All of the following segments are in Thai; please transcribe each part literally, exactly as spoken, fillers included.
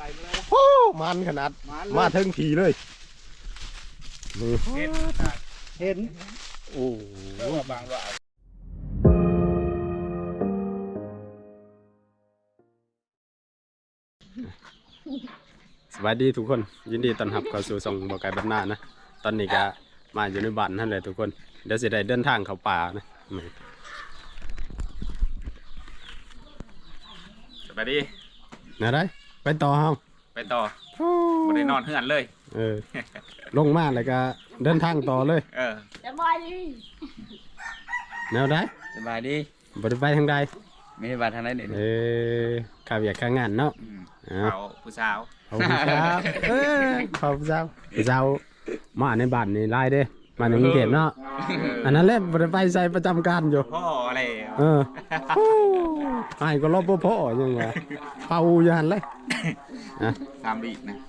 โอ้มันขนาดมาถึงทีเลยนี่เห็นโอ้บางว่าสวัสดีทุกคนยินดีต้อนรับเข้าสู่ส่งบ่อไก่บ้านนานะตอนนี้ก็มาอยู่ในบ้านนั่นแหละทุกคนเดี๋ยวสิได้เดินทางเข้าป่านะสวัสดีนะได้ไปต่อเฮาไปต่อบ่ได้นอนเฮือนเลยเออลงมาแล้วก็เดินทางต่อเลยเออสบายดีแนวได้สบายดีบ่ได้ไปทางใดไม่ได้ไปทางไหนเด้เออข้าวอยากข้างงานเนาะเอาผู้สาวเอาผู้สาวเออเขาผู้สาวผู้สาวมาในบ้านนี่ไล่เด้มาในกรุงเทพเนาะอันนั้นแหละบ่ได้ไปใส่ประจำการอยู่พ่ออะไรเออไอ้ก็รบพ่อยังไงเป่าอยู่หั่นเลยนะตามบีนะ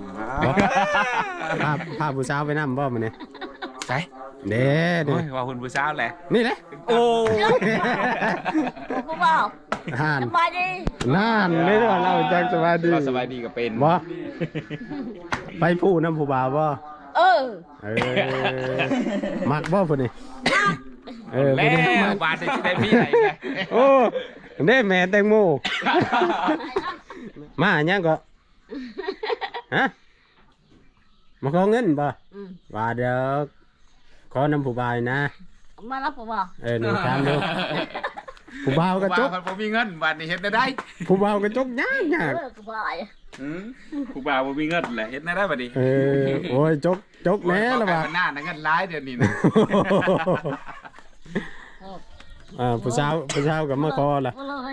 พาพาผู้สาวไปนำบ่มื้อนี้ใช่เด้เด้ว่าคุณผู้สาวแหละนี่แหละโอ้ผู้บ่าวสบายดีนั่นนี่ว่าเราจักสบายดีก็สบายดีก็เป็นบ่ไปผู้นำผู้บ่าวบ่เออเออมักบ่พุ่นนี่เออแล้วบาดสิได้มีไหนไงโอ้เด้แม่แตงโมมาหยังก็ฮะมาขอเงินบ่ว่าเดี๋ยวขอนำผู้บ่าวนะมารับผู้บ่าวเออหนึ่งถามดูผู้บ่าวกระจกผมมีเงินบาดนี้เฮ็ดได้ได้ผู้บ่าวกระจกยากยากผู้บ่าวอืมผู้บ่าวบ่มีเงินแหละเฮ็ดได้ได้บัดนี้เออโอ้ยจกจกแน่ล่ะว่าหน้าเงินหลายเดี๋ยวนี้นะอ่าผู้สาวผู้สาวก็มาขอล่ะ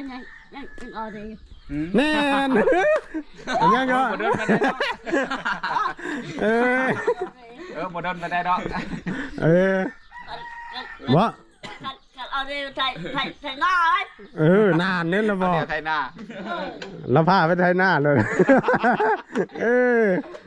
แน่นอันยังก็เออเออบ่โดนมาได้ดอกเออบ่เอาดิไทยไทยไทยหน้าไว้เออนานนี่ละบ่ไทยหน้าแล้วพาไปไทยหน้าเลยเออ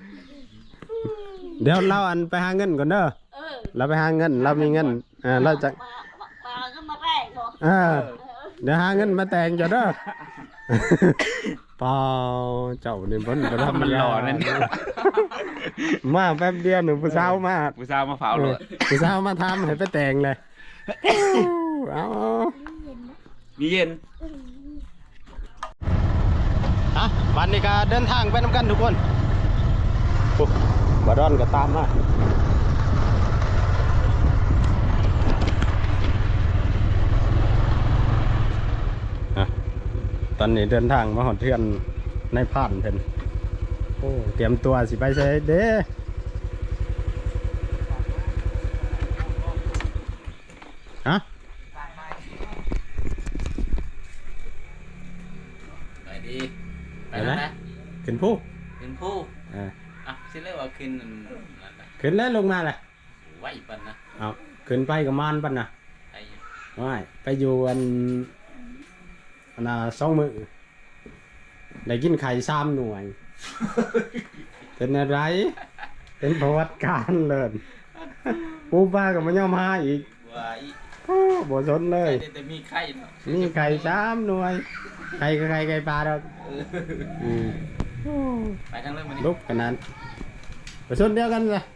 เดี๋ยวเราอันไปหาเงินก่อนเด้อเราไปหาเงินเรามีเงินอ่าเราจะอ่าเดี๋ยวหาเงินมาแต่งจ้ะเด้อเปล่าเจ้านี่บ่บ่ทำมันหล่อนั่นมาแป๊บเดียวหนูผู้สาวมาผู้สาวมาเผาเลยผู้สาวมาทำให้ไปแต่งเลยเอามีเย็นฮะวันนี้ก็เดินทางไปนำกันทุกคนบาดอนก็ตามมาตอนนี้เดินทางมาหอดเทือนในผ่านเพิ่นโอ้เตรียมตัวสิไปใช้เด้ฮะไปดีไปแล้วนะขึ้นผู้ขึ้นผู้อ่าอ่ะสิเรียกว่าขึ้นขึ้นแล้วลงมาเลยไหวปั่นนะเอาขึ้นไปกับมานปั่นนะไม่ไปอยู่อันอันน่ะสองมือได้กินไข่ซ้ำหน่วยเป็นอะไรเป็นประวัติการเลยปูป้ากับมันย่อมหาอีกโอ้บ่สนเลยแต่มีไข่มีไข่ซ้ำหน่วยไข่ก็ไข่ไก่ปลาดอกไปทางเรื่องมันลุกขนาดบ่สนเดียวกันเลย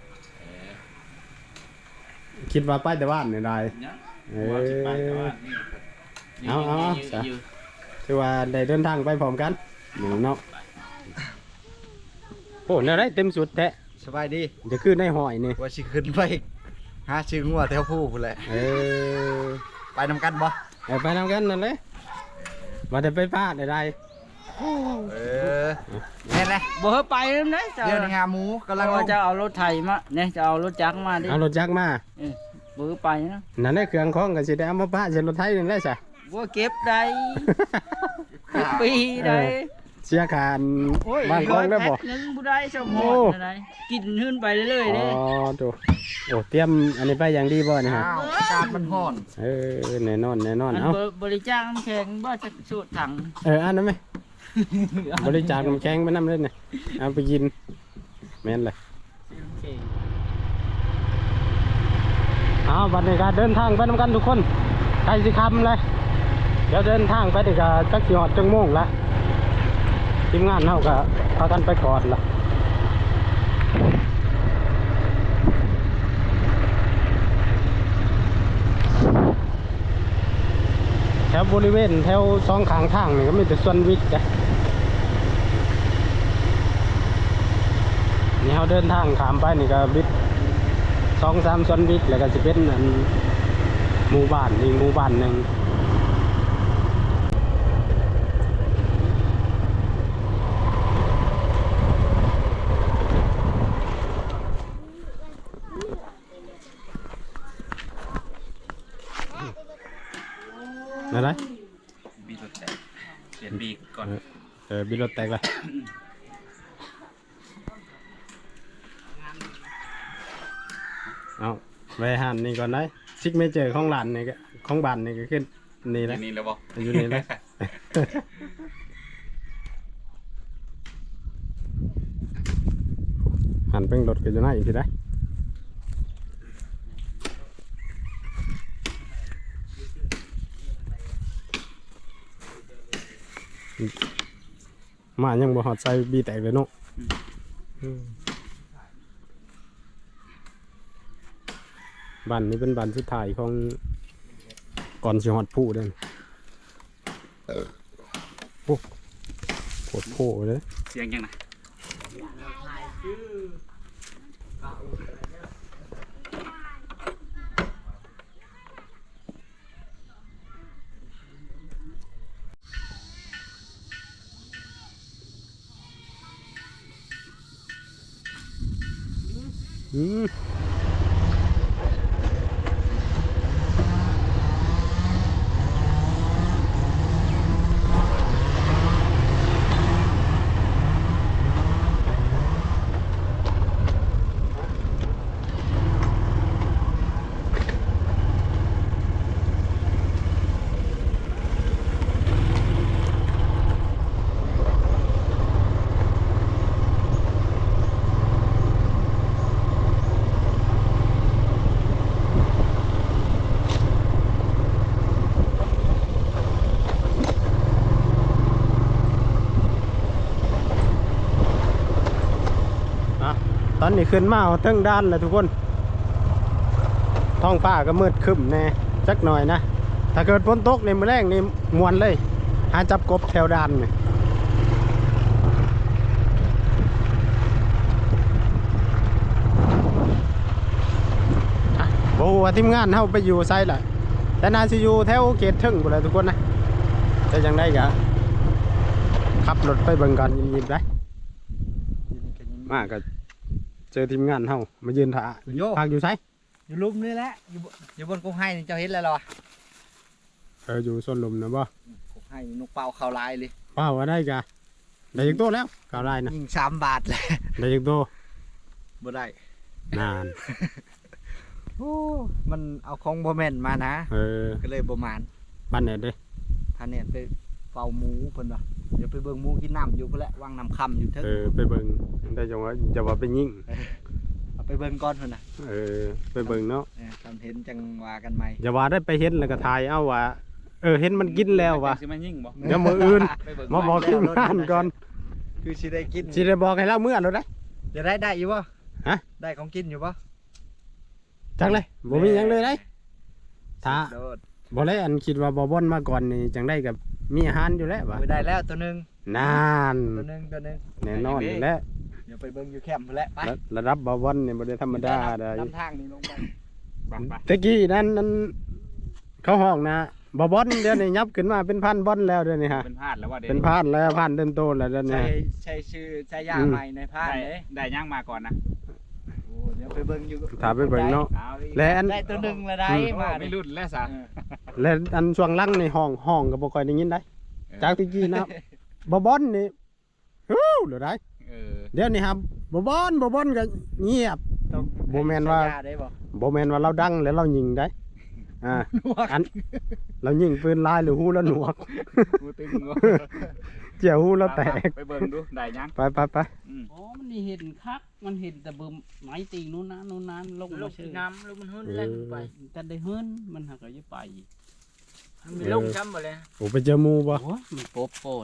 คิดว่าไปแต่บ้านนี่ได้เออเอาเอาคือว่าได้เดินทางไปพร้อมกันหนูเนาะโอ้เนี่ยได้เต็มสุดแท้สบายดีจะขึ้นในหอยนี่ว่าชิขึ้นไปหาชื่องัวแถวผู้พุ่นแหละเออไปนำกันบ่เออไปนำกันนั่นเลยมาได้ไปพลาดได้เออแน่แหละบ่เฮาไปนำเด้เดี๋ยวงาหมูกำลังจะเอารถไถมาเนี่ยจะเอารถจักรมาดิเอารถจักรมาเออบ่ไปนะนั่นแหละเครื่องของก็สิได้เอามาปะใส่รถไถนั่นแหละซะบ่เก็บได้ปีได้เสียคานบ้านของได้บ่นึงบ่ได้สมหอดได้กินขึ้นไปเรื่อยๆเด้อ๋อดูโอ้เตรียมอันนี้ไปอย่างดีบ่นี่ฮะอากาศมันร้อนเออแน่นอนแน่นอนเอ้าบริจาคน้ำแข็งบ่จะสูตรถังเอออันนั้นมั้ยบริจาคน้ำแข็งไปนำเลยนี่เอาไปกินแม่นเลยเอาบัดนี้ก็เดินทางไปนำกันทุกคนใกล้สิค่ำเลยเดี๋ยวเดินทางไปนี่ก็จักสิฮอดจังโมงละทีมงานเฮาก็พากันไปก่อนล่ะแถวบริเวณแถวสองข้างทางนี่ก็มีแต่สวนวิทย์จ้ะนี่เราเดินทางข้ามไปนี่ก็วิทย์สองสามสวนวิทย์แล้วก็จะเป็นอันหมู่บ้านอีกหมู่บ้านหนึ่งอะไรบีรถแตกเปลี่ยนบีก่อนเออบินรถแตกเลยเอาไปหันนี่ก่อนได้ซิกเมเจอร์ของหลานนี่ก็ของบ้านนี่ก็ขึ้นนี่แหละนี่แล้วบอกอยู่นี่แหละ หันเป็นรถก็จะน่าอีกทีได้มายังบ่หอดใจบีแตกเลยเนาะบ้านนี้เป็นบ้านสุดท้ายของก่อนสิหอดผู้เด้นโอ้โคตรโผล่เลยเสียงยังไงอืมตอนนี้ขึ้นมาเอาเทิงด้านเลยทุกคนท้องฟ้าก็มืดครึ้มแน่จักหน่อยนะถ้าเกิดฝนตกในมื้อแรกนี่มวนเลยหาจับกบแถวด้านนี่โอ้ว่าทีมงานเฮาไปอยู่ไซด์ล่ะแต่น่าสิอยู่แถวเขตเทิงพุ่นแหละทุกคนนะแต่จังได๋ก็ขับรถไปเบิ่งกันยิ้มๆได้มาก็เจอทีมงานเฮามายืนถ่าโยพักอยู่ไสอยู่ลุ่มนี่แหละอยู่บอยู่บนกงไห้นี่เจ้าเห็นแล้วเหรอเอออยู่ส้นลมนะบ่กงไห้นกเป่าเข้าลายเลยเป้าว่าได้กะได้อีกตัวแล้วกาวได้นะยิงสามบาทเลยได้อีกตัวบ่ได้นานโอ้มันเอาของบ่แม่นมานะเออก็เลยบ่มานบ้านไหนเด้พาเนี่ยไปเป่าหมูเพิ่นว่าเดี๋ยวไปเบิ่งหมูกินน้ำอยู่พุ่นแหละวางน้ำค่ำอยู่เถิงเออไปเบิ่งได้จังว่าจะว่าไปยิงเอาไปเบิ่งก่อนเพิ่นน่ะเออไปเบิ่งเนาะเออทำเห็นจังว่ากันใหม่อย่าว่าได้ไปเห็นแล้วก็ถ่ายเอาว่าเออเห็นมันกินแล้วว่ะสิมายิ่งบ่เดี๋ยวมื้ออื่นไปเบิ่งมาบอกทีมงานก่อนคือสิได้กินสิได้บอกให้เราเมื่อแล้วได้จะได้ได้อยู่บ่ฮะได้ของกินอยู่บ่จังเลยบ่มีหยังเลยได้ถ้าโดดบ่ได้อันคิดว่าบ่บ่อนมาก่อนนี่จังได้กับมีอาหารอยู่แล้วว่ะโอ้ยได้แล้วตัวหนึงนานตัวหนึงตัวหนึงแน่นอนอยู่แล้วเดี๋ยวไปเบิ่งอยู่แคมป์พุ่นแหละไประระดับบ่บ่อนนี่บ่ได้ธรรมดาได้นำทางนี่ลงไปบังไปตะกี้นั้นนั้นเขาห้องนะบ่บอนเดี๋ยวนี้ยับขึ้นมาเป็นพันบอนแล้วเดี๋ยวนี้ฮะเป็นพลาดแล้วว่าเดี๋ยวเป็นพันแล้วพันเต็มโตแล้วเดี๋ยวนี้ใช่ใช่ชื่อใช่ยาใหม่ในพานได้เลยได้ย่างมาก่อนนะโอ้เดี๋ยวไปเบิ่งอยู่ถามไปเบิ่งเนาะเอาดิและอันได้ตัวหนึงละได้โอ้มาไม่ดิรุ่นแล้วสะและอันช่วงหลังในห้องห้องก็บ่ค่อยได้ยินได้จากตะกี้นะบ่บอนนี่ฮู้เดี๋ยวได้เออเดี๋ยวนี้ครับบ่บอนบ่บอนก็เงียบต้องบ่แม่นว่าใช้ยได้บ่บ่แม่นว่าเราดังแล้วเรายิงได้อ่าอันเรายิงปืนลายหรือฮู้แล้วหนวกกูตึงงเจียวฮู้แล้วแตกไปเบิ่งดูได้ยังไปไปไปอืมอ๋อมันนี่เห็นคักมันเห็นแต่เบิ่มไม้ตีนู้นนะนู้นนั้นลงลมาง ชื่อน้ำลงมันหื้นแล่นไปแต่ได้เฮิรนมันหักก็จะไปมันมีลงช้ำหมดเลยโอ้ไปเจอหมู่บ่โอ้ยมันโปบโปน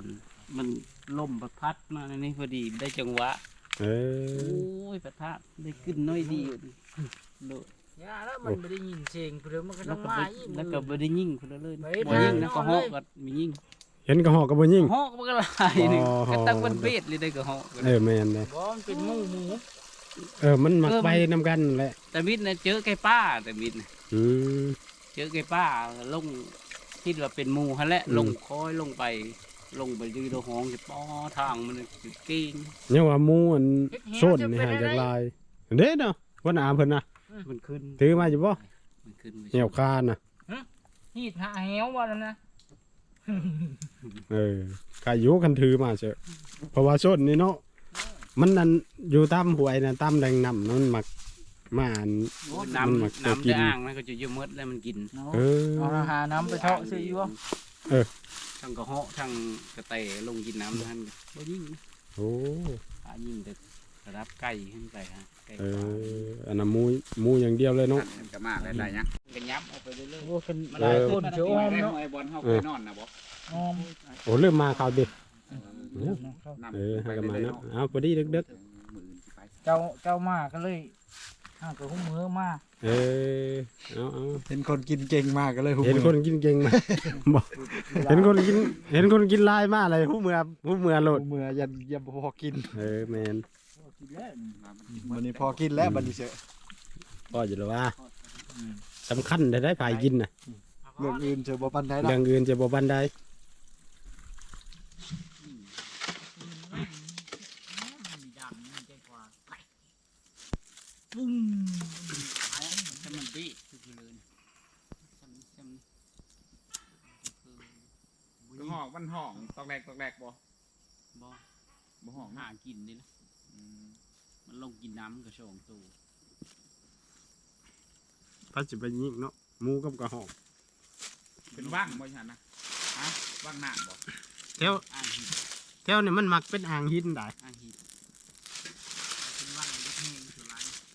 มันลมประพัดมาในนี้พอดีได้จังหวะเอโอ้อยประทัดได้ขึ้นน้อยดีอยู่โดดย่าแล้วมันไม่ได้ยินเสียงเดี๋ยวมันก็แล้ต้วองก็มาบ่อีกแล้วก็บ่ได้ยิงคนละเลยไปบ่ยิงนะนอนก็ฮอกเลยก็มียิงเห็นกระหอกกระบ่ยิงฮอกมันก็หลายหนึงอ๋อก็ตั้งเป็นเบ็ดเลยได้ก็ฮอกเออแม่นเลยบ่มันเป็นหมูหมูเออมันมักไปนำกันนั่นแหละแต่มิดน่ะเจอไก่ป้าแต่มิดน่ะอืมเจอไก่ป้าลงคิดว่าเป็นหมู่หั่นแหละอืมลงคอยลงไป ลงไปยืนโดห้องจะป้อทางมันสิเก่งเนี่ยว่าหมูอันโซนนี่หาจากลายเด้เนาะว่าหนาเพิ่นน่ะมันขึ้นถือมาอยู่บ่มันขึ้นไปเหี่ยวคานน่ะฮีดหาแหวว่าแล้วนะเออใครอยู่คันถือมาเชอะเพราะว่าโซนนี่เนาะมันนั่นอยู่ตามห้วยน่ะตามแหล่งน้ำมันมักมาอันน้มันมักำตัวน้ำกินจะอ่างมันก็จะเยอะมดแล้วมันกินเออเอาอาหารน้ำไปเทาะซื้ออยู่บ่ทั้งกระเหาะทั้งกระเตะลงกินน้ำท่านก็ยิ่งนะโอ้อายิ่งแต่ระดับไก่ขึ้นไปฮะไก่เอปลาออันนั้นหมูหมูอย่างเดียวเลยเนาะก็มาได้ๆยังกันยับเอาไปเรื่อยโอ้เป็นๆหลายคนเจ้าอ้อมได้เนาะไอ้บอลเฮาไปนอนนะบ่อ้อมโอ้เริ่มมาข่าวดินำเออให้กันมาเนาะเอาพอดีดึกเจ้าเจ้ามาก็เลยห้าตัวหุ้มมือมาๆเออเอาเอาเห็นคนกินเก่งมากก็เลยหุบเห็นคนกินเก่งมาบอกเห็นคนกินเห็นคนกินลายมากเลยหูเมือหูเมือโหลดเมื่อยันยันพอกินเออแมนวันนี้พอกินแล้วบัดนี้เสอะก็อยู่แล้วว่าสำคัญได้ได้ภายกินน่ะเรื่องอื่นเจอบ่ปันได้ดอกเรื่องอื่นจะบ่บันไดปุ้งถ้ามันดีคือเลยจำจำก็ห้องมันห้องตอกแรกตอกแรกบ่บ่บ่ห้องหากินนี่นะมันลงกินน้ำกระชองตูถ้าจะไปยิงเนาะหมูกับกระหอกเป็นว่างบ่ฉันนะฮะว่างน้ำบ่แถวอ่างหินแถวนี่มันมักเป็นอ่างหินได้อ่างหินเป็นว่างเล็กแห้งสุดไร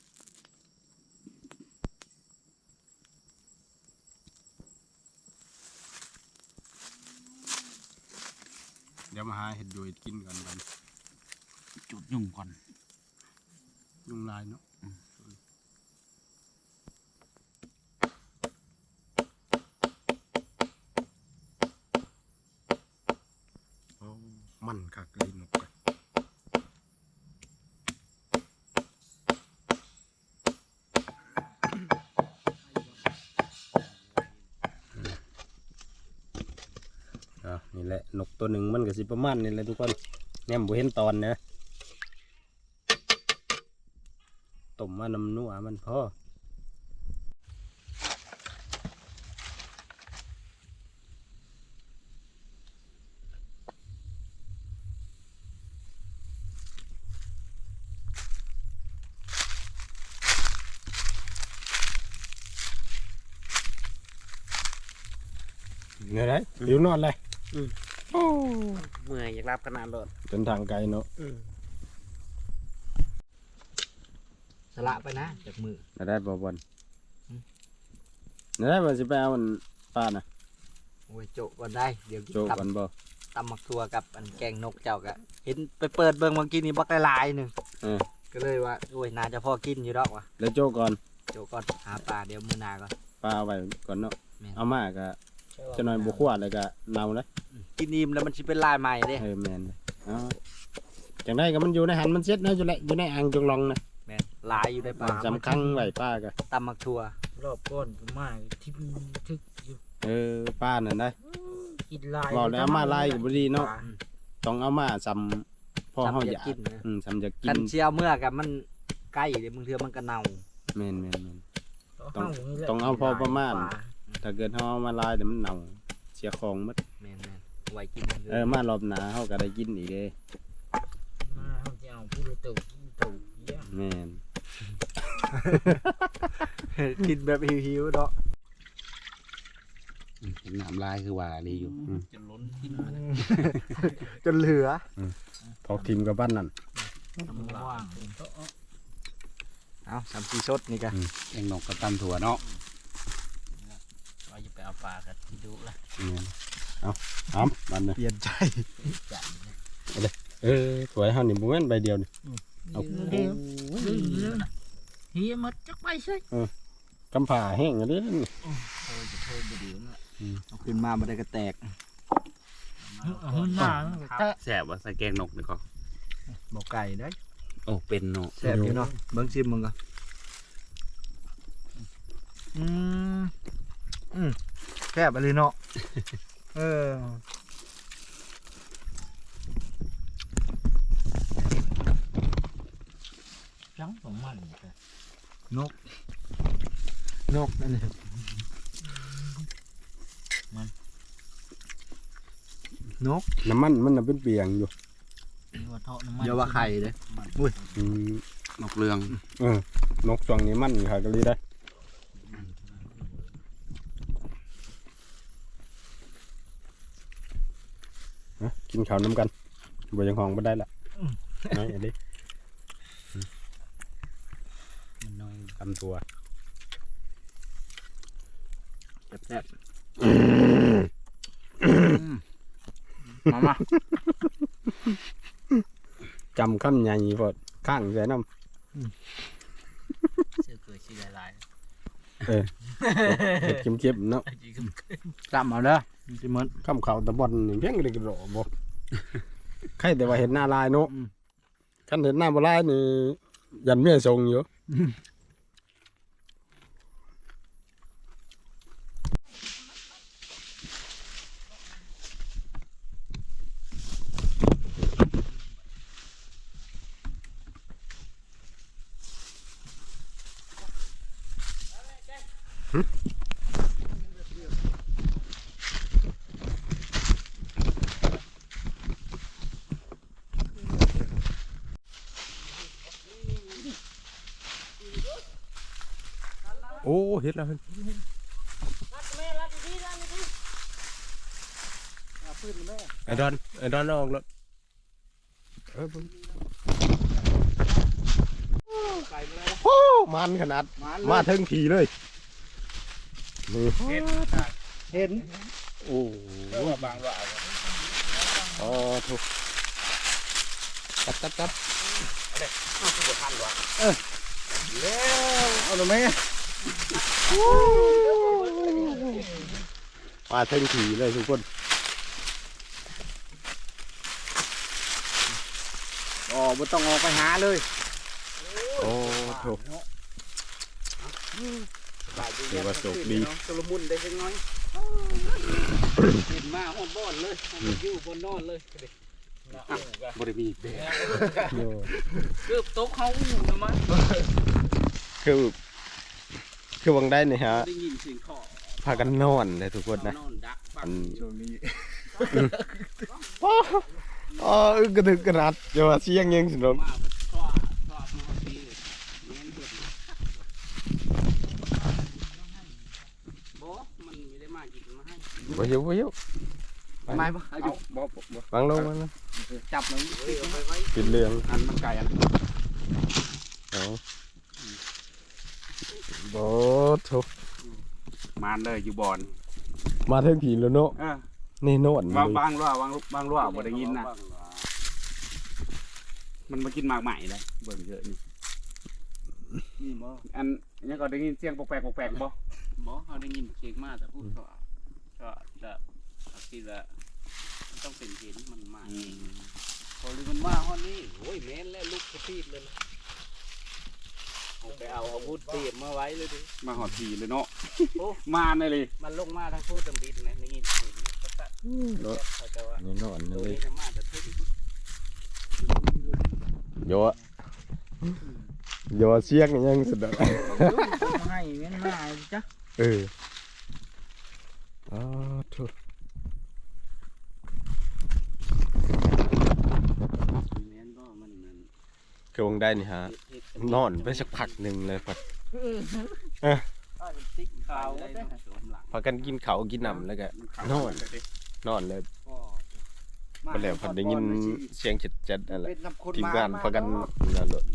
เดี๋ยวมาหาเห็ดดูเห็ดกินก่อนกันจุดยุ่งก่อนยุงลายเนาะโอ้มันคักเลยนกกันอ่ะนี่แหละนกตัวหนึ่งมันก็สิประมาณนี่แหละทุกคนแนี่ยบ่เห็นตอนเนอะต้มมาน้ำนัวมันพอเนี่ยไรหิวนอนเลยเมื่อยอยากรับขนาดรถเป็นทางไกลเนาะสละไปนะจากมือได้บ่บอลได้บ่สิไปเอามันปลาน่ะโอ้ยโจะก่อนได้เดี๋ยวกินโจตกันบ่ำตำหมักทัวกับอันแกงนกเจ้ากะเห็นไปเปิดเบิ่งเมื่อกี้นี่บักหลายๆหนึ่งเออก็เลยว่าโอ้ยน่าจะพอกินอยู่ดอกว่ะแล้วโจก่อนโจะก่อนหาปลาเดี๋ยวมือหนาก่อนปลาเอาไว้ก่อนเนาะแม่นเอามาก็จะหน่อยบ่คั่วแล้วก็เนาเลยกินอิ่มแล้วมันสิเป็นลายใหม่เด้เออแม่นเอาจังไดก็มันอยู่ในหันมันเซ็ตนะอยู่แหละอยู่ในอ่างจงลองนะแม่นลายอยู่ในปลาสำคัญไว้ป้าก็ตำหมักทัวรอบก้อนก็มาที่ทึกอยู่เออป้านั่นได้กินลายบอกแล้วเอามาลายก็บ่ดีเนาะต้องเอามาซ้ำพอเฮาอยากกินนะอืมซ้ำอยากกิคันนเชียวเมื่อกับมันใกล้เดี๋ยวมึงเทือมันก็เน่าแม่นแม่นแม่นต้ต้ออง งเอาเอาพอประมาณปลถ้าเกิดเฮาเอามาลายเดี๋ยวมันเน่าเสียของหมดแม่นแม่นไว้กินเออมารอบหน้าเฮาก็ได้กินอีกเด้มาเขาจะเอาผู้ละตู่ผู้ตู่เยี่ยมแม่นกินแบบหิวๆเนาะเห็นน้ำลายคือว่าดีอยู่จะล้นกินจนเหลือพอทีมกับบ้านนั่นว่างเอาสามสี่สดนี่กันเองนกกับตำถั่วเนาะเราจะไปเอาปลากันที่ดูละแม่นเอาอ้ํมันนะเปลี่ยนใจเออถวยเฮานี่บ่แม่นใบเดียวนี่เอาเดียวเรื่องนะเฮียมัดจักไปใช่กำผ่าแห้งอันนี้นี่เอาขึ้นมาบ่ได้ก็แตกหืนหน้าแต่แสบว่าใส่แกงนกนี่ก็บ่ไก่ได้โอ้เป็นเนาะแซ่บอยู่เนาะเบิ่งชิมมึงก่อนอืมอืมแซ่บอะไรเนาะเออจังของมันนกนกอันนี้นกน้ำมันมันน่ะเป็นเปียงอยู่ว่าเทาะน้ำมันอย่าว่าไข่เด้อืมนกเรืองเออนกช่วงนี้มันค่ะก็เลยได้ฮะกินข้าวน้ำกันบ่ยังห้องบ่ได้ละน้อยอันนี้มันน้อยตำตัวแซ่บมามาจำคำใหญ่พอดข้างใส่น้เสื้อเกยชีลายำเออเผ็ดเค็มๆเนาะจำเอาเด้อสิเหมือนคำเขาตะบอนนี่เพียงเลยกระโดดบ่ใครแต่ว่าเห็นหน้าลายเนาะคันเห็นหน้าบ่ลายนี่ยันเมียทรงอยู่ โอ้เห็ดแล้วเห็นไอ้ดอนไอ้ดอนเอาออกแล้วเออเบิ่งโอ้มันขนาดมาถึงทีเลยนี่เห็นโอ้บางว่าอ๋อถูกจับจับจับแล้วเอาเลยไหมมาถึงทีเลยทุกคนอ๋อบ่ต้องออกไปหาเลยโอ้ถูกถือว่าโชคดีสลมุนได้จังน้อยกินมาหอดบ่อนเลยอยู่บนนอนเลยบริมีเด้โย่เกือบตกเฮาอยู่นะมั้งคือคือวังได้เนี่ยฮะได้ยินเสียงเคาะพากันนอนเลยทุกคนนะนอนดักบัอังนช่วงนี้อ๋ออ๋ออึกกระดึกกระดัดอย่าว่าเสียงยังสินมมาชอบชอบมาปีเงี้ยเห็ดบ่มันไม่ได้มากินมาให้บ่หิวบ่หิวไม่ปะเอาบ่บ่วางลงวางลงจับมันไปไว้กินเรื่องอันมันไก่อันเอาบ่ถูกมาเลยอยู่บ่อนมาถึงทีแล้วเนาะเออนี่โน่นบางบางรั่วบางบางรั่วบ่ได้ยินนะมันมากินหมากใหม่เลยเบิ่งเยอะนี่นี่บ่อันนี้ก็ได้ยินเสียงแปลกๆแปลกๆบ่บ่เขาได้ยินเสียงมาแต่พูดก็ก็จะคิดว่าต้องเป็นเห็นมันมาพอเลยมันมาฮอดนี้โอ้ยแม่นแล้วลุกกระตีดเลยไปเอาอาวุธเตรียมมาไว้เลยดิมาหอดทีเลยเนาะมาเลย มันลงมาทั้งพูดจำบิดนะได้ยินเสียงก็ตัดเขาจะว่านี่โน่นตัวเลยนี้จะมาแต่พูดโยะโยะเสียงยังสุดอะให้เว้นหน้าจ้ะเอออ๋อถูกแม่นก็มันมันคือวังได้นี่ฮะนอนไปสักพักหนึ่งเลยพอติ๊กขาวได้หลังพากันกินข้าวกินน้ำแล้วก็นอนนอนเลยไปแล้วพอได้ยินเสียงจัดๆนั่นแหละเป็นน้ำคนทีมมางานพากันนั่นเลย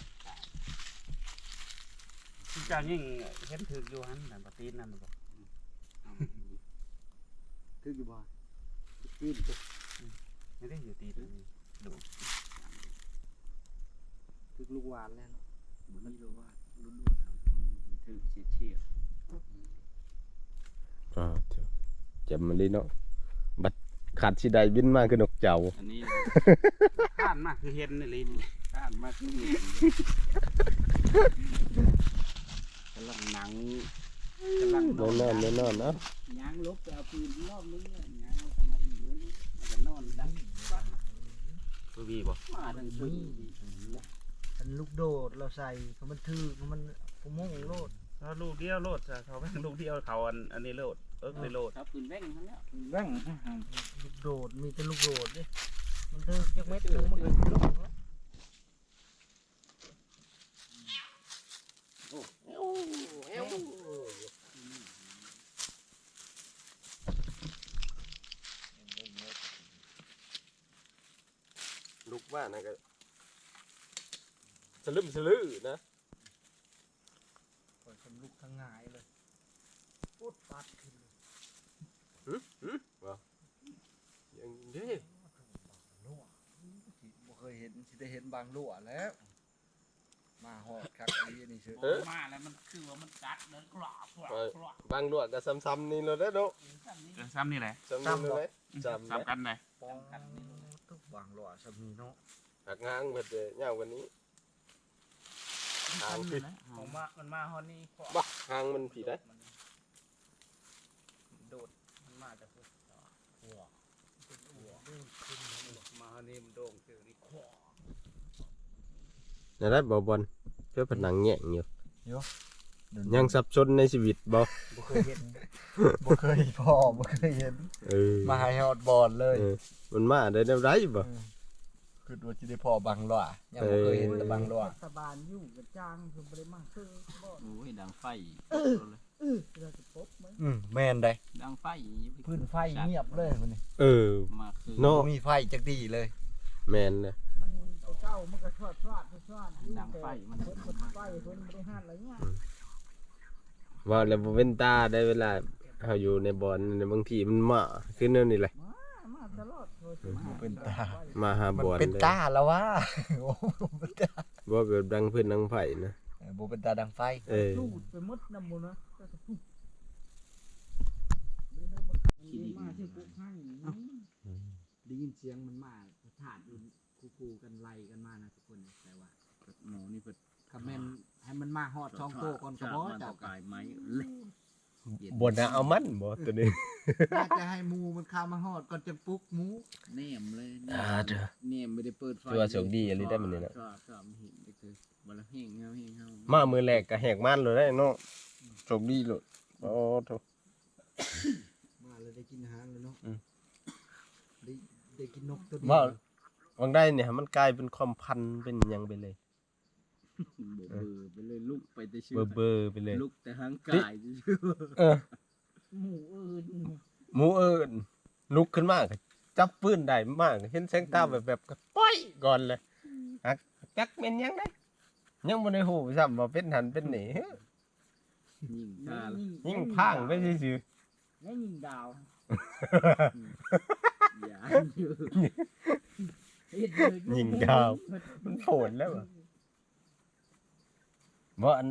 เจ้ายิ่งเห็นถึกอยู่หันแต่ปฏินั่นบอกคืออยู่บ่ตีนไม่ได้อยู่ตีนดูคือลูกหวานแล้วบ่มีลูกหวานลุ้นๆถือเฉียดอ่าเจ้าจำมันเลยเนาะบัดขาดสิได้บินมาคือนกเจ้าอันนี้ข้านมากคือเห็นนี่ลิ้นข้านมากคือเห็นกำลังหนังกำลังนแน่อนนอนแน่นอนเนาะยางลบไปเอาปืนรอบนึงเลยยางเอากลับมาอีกเลยนี่มันก็นอนดังปั๊บคือบีบ่มาดังปืนมันลูกโดดเราใส่เขามันถือเขามันผมโมงโลดเขาลูกเดียวโลดจ้ะเขาแม่งลูกเดียวเขาอันอันนี้โลดเอิ้กเลยโลดครับปืนแว่งทั้งนั้นแบ่งลูกโดดมีแต่ลูกโดดดิมันถือจักเม็ดนึงมันก็ลงแล้วลูกว่านะก็สลึมสลือนะปล่อยคนลูกทั้งหงายเลยพูดปัดขึ้นเลยอย่างนี้รั่วบ่เคยเห็นสิได้เห็นบางรั่วแล้ว มาหอดคักไอ้นี่เชื่อมาแล้วมันคือว่ามันกัดเดินกรอบกรอบกรอบบางลวดก็ซ้ำๆนี่เลยเด้อเนาะเออซ้ำนี่แหละซ้ำนี่เลยซ้ำซ้ำกันเลยปองทุกบางรั่วสมีเนาะหักงางเบิดเลยยาวกว่านี้หางผิดผมมามันมาฮอนนี่ขวาบ่หางมันผิดได้โดดมันมาจากหัวหัวมานี่มันโด่งเจอนี่ขวานั่นแหละบ่บอลเพื่อผนังแง่งอยู่ยังสับสนในชีวิตบ่บ่เคยเห็นบ่เคยพ่อบ่เคยเห็นเออมาให้ฮอดบอลเลยเออมันมาได้แนวใดบ่คือว่าสิได้พ่อบางรั่วยังบ่เคยเห็นแต่บางรั่วสบานอยู่กับจ้างคือบ่ได้มาคือบ่โอ้ยดังไฟเราจะพบมั้ยอืมแม่นได้ดังไฟพื้นไฟเงียบเลยมันนี่เออมาคือเนาะบ่มีไฟจักดีเลยแม่นนะมันเก่ามันก็ชอดชอดชอดอยู่ดังไฟมันเพิ่นไฟเพิ่นบ่ได้หาอะไรเงี้ยว่าแล้วบ่เว้นตาได้เวลาเฮาอยู่ในบ่อนในบางทีมันมาคือแนวนี้แหละมามาตลอดโทรบ่เป็นตามาหามันบ่อนเป็นเลยตาแล้ววะ โอ้เป็นตาบ่เกิดดังพื้นดังไฟนะเออบ่เป็นตาดังไฟเออลูดไปหมดน้ำบ่นะก็จะปุ๊บมาที่ปุ๊บให้ได้ยินเสียงมันมาถาดคู่ๆกันไล่กันมานะทุกคนแต่ว่าหมูนี่เปิดคำแม่นให้มันมาฮอดช่องโตก่อนก็บ่เจ้าก็กายไม้เล็กบ่น่าเอามันบ่ตัวนี้น่าจะให้หมูมันเข้ามาฮอดก่อนจะปลุกหมูแนมเลยอ่าเด้อแนมไม่ได้เปิดไฟตัวโชคดีอะไรได้มันนี่นะชอบชอบเห็นได้คือบ่ละเฮงเฮาเฮงเฮามามือแรกก็แหกมันเลยได้เนาะโชคดีโลดโอ้โถมาเลยได้กินอาหารเลยเนาะอืมได้ได้กินนกตัวเดีว่าบางได้เนี่ยมันกลายเป็นความพันเป็นหยังไปเลยเบอร์ไปเลยลุกไปแต่ชื่เบอร์เบอร์ไปเลยลุกแต่หางกายชื่อเออหมูอื่นหมูเอิญลุกขึ้นมาก็จับปืนได้มากเห็นแสงตาแบบแบบก็ป้อยก่อนเลยฮักจักเป็นหยังได้ยังบ่ได้ฮู้ซ้ำว่าเป็นหันเป็นหนียิงตายิ่งพังไปซื่อแล้วยิงดาวอย่าอยู่ๆยิงดาวมันโผล่แล้วอะบ่อัน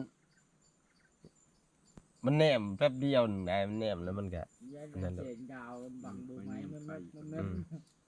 มันแนมแป๊บเดียวหนึงได้มันแนมแล้วมันก็ยายนั่นแหละเสียงดาวบังดูไหมมันมันมันอืม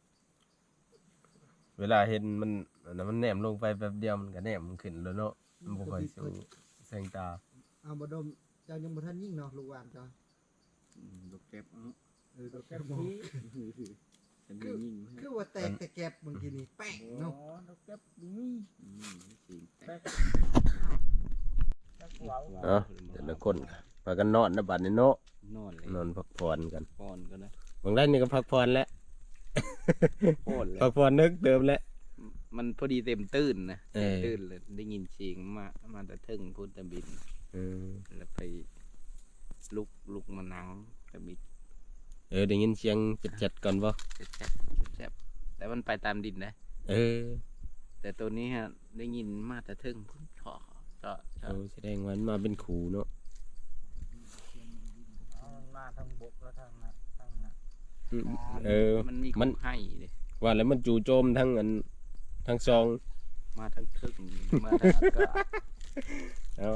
เวลาเห็นมันอันนั้นมันแนมลงไปแป๊บเดียวมันก็แนมมันขึ้นแล้วเนาะมันบ่ค่อยสู้แสงตาเอาบ่ดมเจ้ายังบ่ทันยิ่งเนาะลูกหวานเจ้าลูกเก็บเอาเออตัวแกแก้บมพีจะมียิงคือว่าแตกแต่แก็บเมื่อกี้นี่แป้งอ๋เนาะอดอกแก้มนี่สีแตแป๊กกแป๊กเหวาเอ้าแต่ละคนพากันนอนนะบัดนี้เนาะนอนเลยนอนพักผ่อนกันพอนก็ได้บางได้นี่ก็พักผ่อนแล้วโคตรเลยพักผ่อนนึกเติมแล้วมันพอดีเต็มตื้นนะเออตื้นเลยได้ยินเสียงมามาแต่ถึงพูดตะบินเออแล้วไปลุกลุกมานั่งตะบินเออได้ยินเสียงจัดๆก่อนบ่แซ่บแซ่บแต่มันไปตามดินนะเออแต่ตัวนี้ฮะได้ยินมาแต่ถึงพุ่นถอก็ก็โอ้แสดงว่ามันมาเป็นขู่เนาะเอามันมาทางบกแล้วทางนั้นทางนั้นเออมันมีมันให้เลยว่าแล้วมันจู่โจมทั้งอันทั้งซองมาทั้งทึกมาทั้งอากาศเอา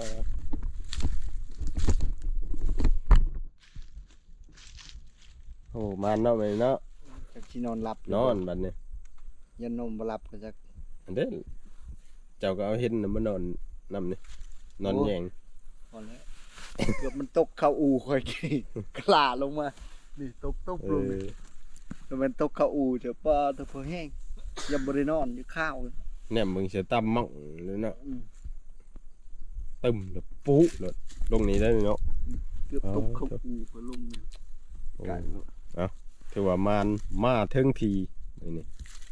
โอ้มันเนาะไปเนาะจักสินอนหลับนอนบัดนี้ยันนมบ่หลับก็จักอันเด้อเจ้าก็เอาเห็นน่ะมานอนนำนี่นอนแยงพอแล้วเกือบมันตกเข้าอูค่อยกี่กล้าลงมานี่ตกตกเอลงอแล้วมันตกเข้าอูเถอะป้าเถอะพอแห้งยังบ่ได้นอนอยู่ข้าวเลยเนี่ยมึงสิตำมั่งเลยเนาะอืมตึมแล้วปุ๊เลยลงนี้ได้เนาะเกือบตกเข้าอูไปลงนี่โอ้ไก่เอาถือว่ามันมาเทิงทีนี่นี่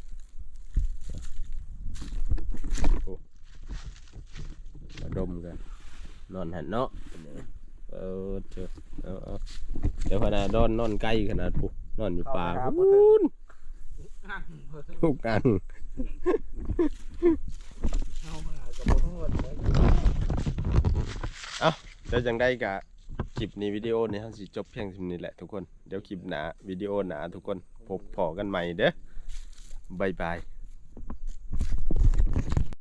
โอ้มาดมกันนอนหันเนาะเออเจอเอาเอาเดี๋ยวขนาดนอนนอนใกล้ขนาดปุ๊นอนอยู่ป่าพูนทุกกันเอาเดี๋ยวจังได้กะคลิปนี้วิดีโอนี้เราสิจบเพียงเท่านี้แหละทุกคนเดี๋ยวคลิปหนาวิดีโอหนาทุกคนพบพอกันใหม่เด้อบ๊ายบาย